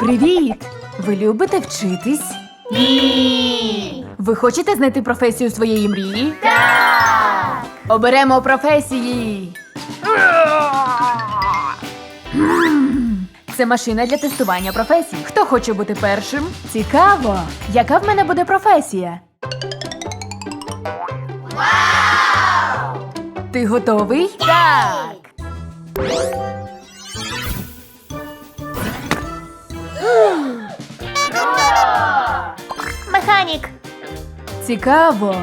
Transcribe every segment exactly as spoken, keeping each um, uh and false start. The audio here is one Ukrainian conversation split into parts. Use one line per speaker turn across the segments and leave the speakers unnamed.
Привіт! Ви любите вчитись?
Ні!
Ви хочете знайти професію своєї мрії?
Так!
Оберемо професії! Це машина для тестування професій. Хто хоче бути першим? Цікаво! Яка в мене буде професія?
Вау!
Ти готовий?
Так! Круто! Механік!
Цікаво!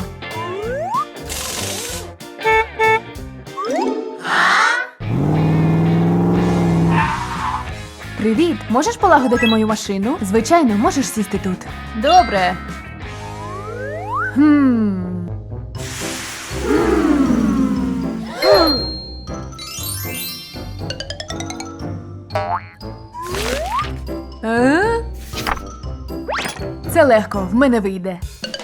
Привіт! Можеш полагодити мою машину? Звичайно, можеш сісти тут. Добре. Хм. Е? Це легко, в мене вийде.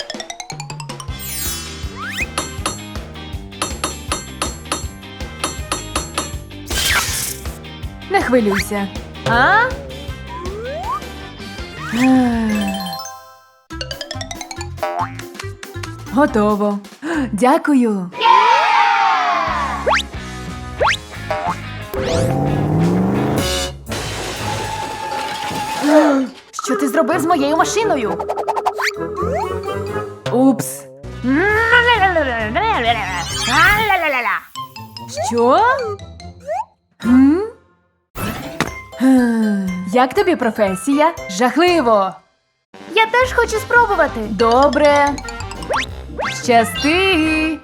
Не хвилюйся. А? Готово. Дякую. Що ти зробив з моєю машиною? Упс. Що? М? Гм, Як тобі професія? Жахливо.
Я теж хочу спробувати.
Добре. Щасти.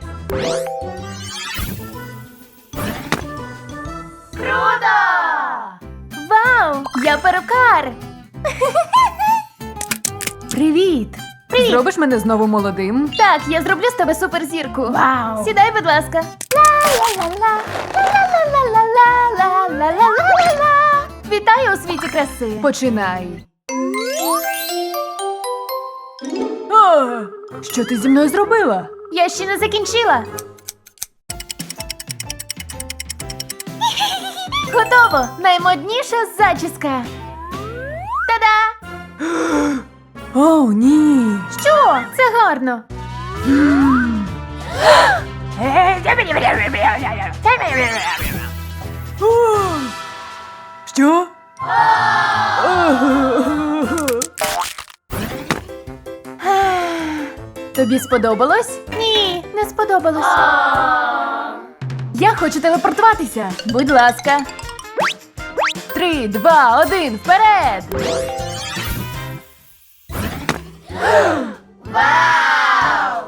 Круто! Вау! Я перукар!
Привіт.
Привіт.
Зробиш мене знову молодим?
Так, я зроблю з тебе суперзірку.
Вау.
Сідай, будь ласка. Ла-ла-ла-ла, ла-ла-ла-ла-ла-ла-ла-ла-ла-ла. Вітаю у світі краси.
Починай. О, що ти зі мною зробила?
Я ще не закінчила. Готово! Наймодніша зачіска. Та-да!
О, ні.
Що? Це гарно.
О, що? Тобі сподобалось?
Ні, не сподобалось.
Я хочу телепортуватися. Будь ласка. Три, два, один, вперед!
Вау!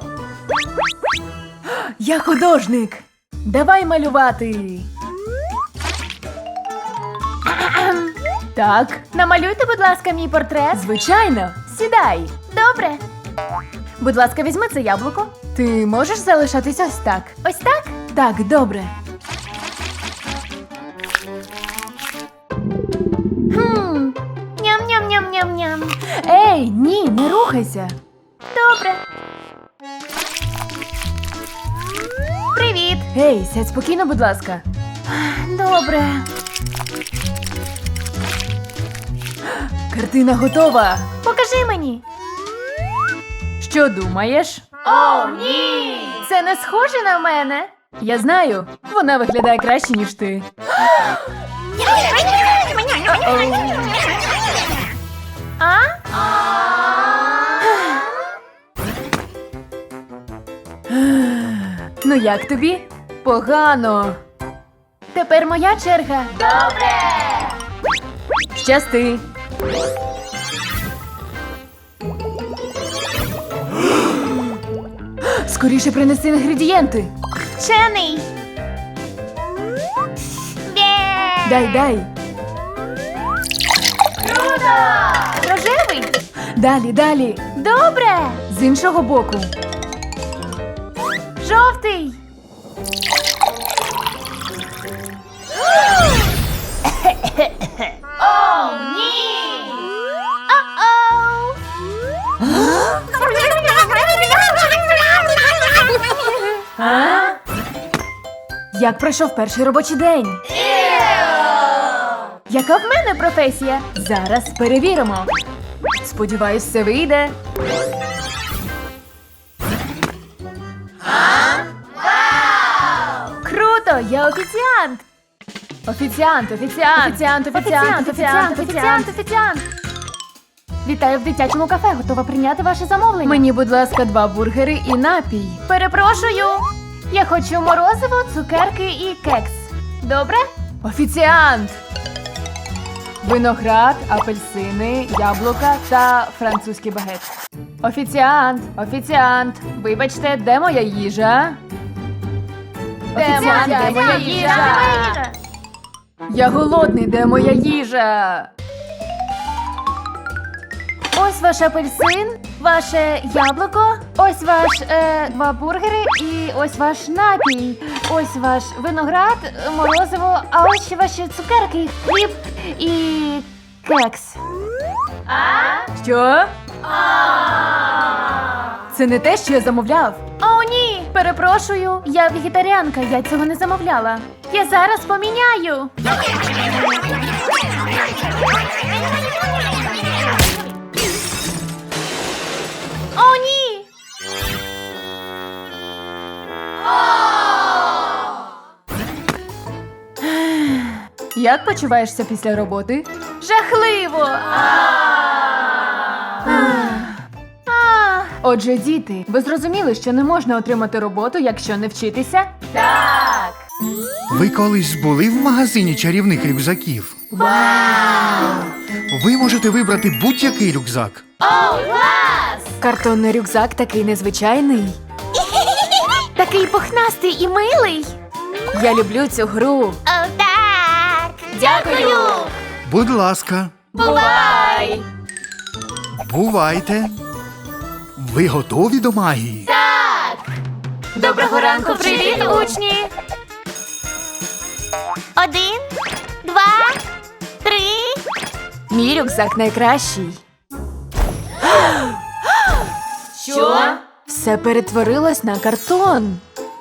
Я художник. Давай малювати. Так,
Намалюйте, будь ласка, мій портрет.
звичайно. Сідай.
Добре.
Будь ласка, візьми це яблуко. Ти можеш залишатись ось так.
Ось так?
Так, добре.
Хм. Ням-ням-ням-ням-ням.
Ей, ні, не рухайся.
Добре. Привіт.
Ей, сядь спокійно, будь ласка.
Добре.
Картина готова.
Покажи мені.
Що думаєш?
О, ні! Це не схоже на мене.
Я знаю, вона виглядає краще, ніж ти.
А?
Ну як тобі? Погано.
Тепер моя черга. Добре.
Щасти. Скоріше принеси інгредієнти.
Вчений.
Дай, дай.
Круто! Рожевий.
Далі, далі.
Добре.
З іншого боку.
Жовтий. О, ні! О-оу!
А? Як пройшов перший робочий день? Яка в мене професія? Зараз перевіримо. Сподіваюсь, все вийде. Круто! Я офіціант! Офіціант, офіціант! Офіціант, офіціант, офіціант, офіціант, офіціант! Вітаю в дитячому кафе. Готова прийняти ваше замовлення. Мені, будь ласка, два бургери і напій.
Перепрошую. Я хочу морозиво, цукерки і кекс. Добре?
Офіціант! Виноград, апельсини, яблука та французький багет. Офіціант! Офіціант! Вибачте, де моя їжа? Офіціант, де моя їжа? Я голодний, де моя їжа?
Ось ваш апельсин, ваше яблуко, ось ваш е, два бургери і ось ваш напій. Ось ваш виноград, морозиво, а ось ще ваші цукерки, хліб і кекс.
Що? Це не те, що я замовляв.
О, ні! Перепрошую, я вегетаріанка, я цього не замовляла. Я зараз поміняю. О, ні!
Як почуваєшся після роботи?
Жахливо! А,
Отже, діти, ви зрозуміли, що не можна отримати роботу, якщо не вчитися?
так!
Ви колись були в магазині чарівних рюкзаків? Вау! Ви можете вибрати будь-який рюкзак.
О, клас!
Картонний рюкзак такий незвичайний.
Такий пухнастий і милий.
Я люблю цю гру.
О, так! Дякую!
Будь ласка,
Бувай!
бувайте. Ви готові до магії?
Так!
Доброго ранку,
Привіт, учні! Один, два, три.
Мій рюкзак найкращий.
Що?
Все перетворилось на картон.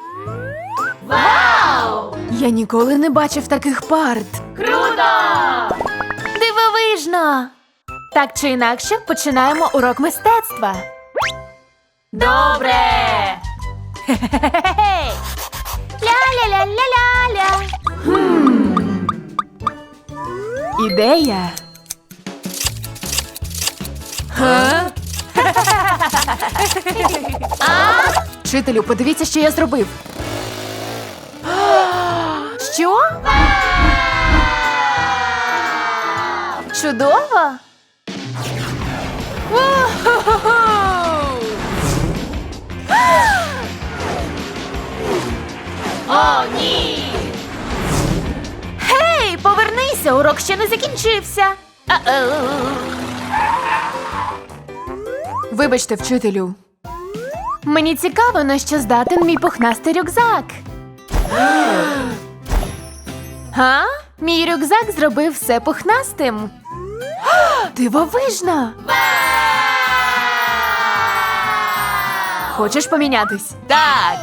Вау!
Я ніколи не бачив таких парт.
Круто!
Дивовижно! Так чи інакше, починаємо урок мистецтва.
Добре!
Хе-хе-хе-хе!
Ля-ля-ля-ля-ля-ля.
Ідея. Га? Вчителю, подивіться, що я зробив. Що?
Чудово! О, ні! Гей, повернися, урок ще не закінчився. А-оу.
Вибачте, вчителю. Мені цікаво, на що здатен мій пухнастий рюкзак. Га? Мій рюкзак зробив все пухнастим. Дивовижно! Хочеш помінятись? Так!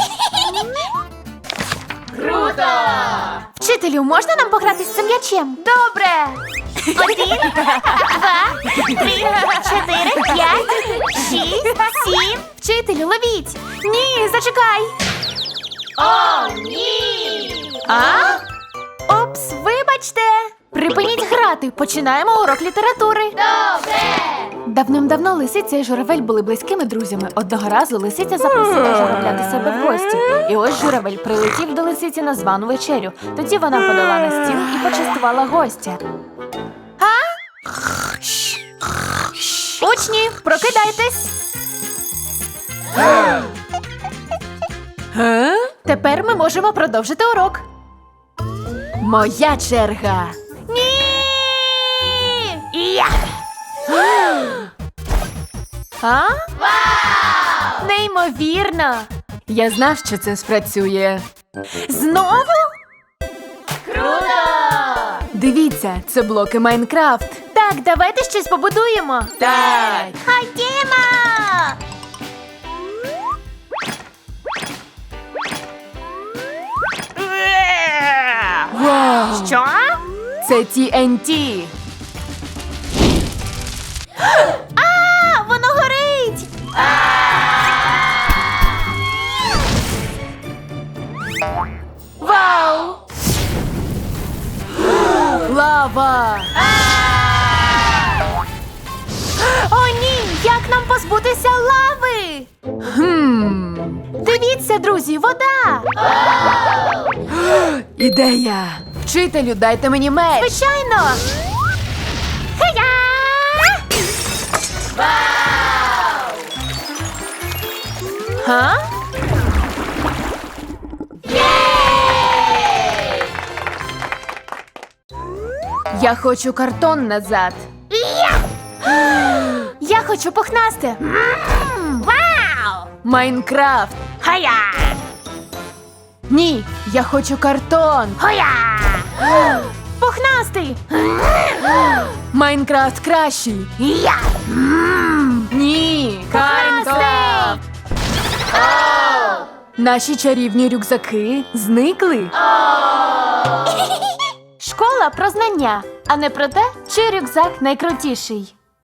Круто!
Вчителю, можна нам пограти з цим м'ячем?
Добре! Один, два, три, чотири, п'ять, шість, сім.
Вчителю, ловіть! Ні, зачекай!
О, ні!
А? Опс, вибачте! Припиніть грати, починаємо урок літератури.
Добре!
Давним-давно лисиця і журавель були близькими друзями. Одного разу лисиця запросила журавля до себе в гості. І ось журавель прилетів до лисиці на звану вечерю. Тоді вона подала на стіл і почастувала гостя. А? Учні, прокидайтесь! Га? Тепер ми можемо продовжити урок. Моя черга.
Ні! Я!
А? Вау! Неймовірно! Я знав, що це спрацює. Знову?
Круто!
Дивіться, це блоки Майнкрафт.
Так, давайте щось побудуємо.
Так.
Ходімо!
Вау!
Що?
Це Ті Ен Ті.
А, воно горить!
Вау! Лава!
О, ні! Як нам позбутися лави?
Хм.
Дивіться, друзі, вода!
Ідея! Вчителю, дайте мені меч!
Звичайно! Хея!
Га? Я хочу картон назад.
Я хочу пухнасти! М, Вау!
Майнкрафт.
Хая!
Ні, я хочу картон.
Хоя! Пухнастий!
Майнкрафт кращий.
Я!
Ні,
Пухнастий!
Наші чарівні рюкзаки зникли.
Школа про знання, а не про те, чий рюкзак найкрутіший.